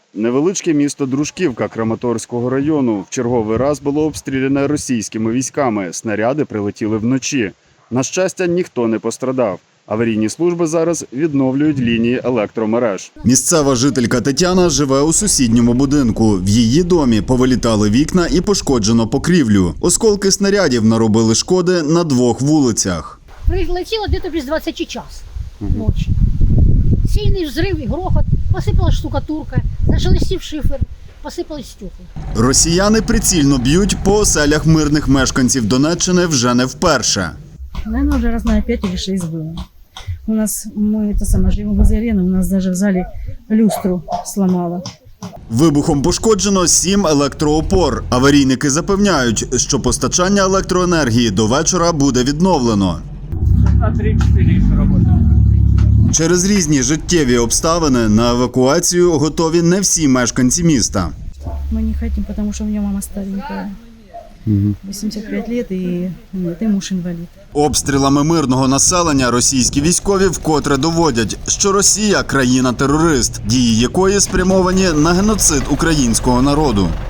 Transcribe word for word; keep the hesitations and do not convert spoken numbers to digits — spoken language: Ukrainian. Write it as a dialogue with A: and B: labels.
A: Невеличке місто Дружківка Краматорського району в черговий раз було обстріляне російськими військами. Снаряди прилетіли вночі. На щастя, ніхто не пострадав. Аварійні служби зараз відновлюють лінії електромереж. Місцева жителька Тетяна живе у сусідньому будинку. В її домі повилітали вікна і пошкоджено покрівлю. Осколки снарядів наробили шкоди на двох вулицях.
B: Прилетіло десь без двадцяти час ночі. Сильний взрив і грохот, посипалась штукатурка, зашелестів шифер, посипались стекла.
A: Росіяни прицільно б'ють по оселях мирних мешканців Донеччини вже не вперше.
C: Наверное, уже раз на пять или шесть было. У нас, мы это самое, живем возле арены, у нас даже в зале люстру сломало.
A: Вибухом пошкоджено сім електроопор. Аварійники запевняють, що постачання електроенергії до вечора буде відновлено. Через різні життєві обставини на евакуацію готові не всі мешканці міста.
C: Мы не хотим, потому что у меня мама старенькая. восемьдесят пять лет и, нет, и муж инвалид.
A: Обстрілами мирного населення російські військові вкотре доводять, що Росія – країна-терорист, дії якої спрямовані на геноцид українського народу.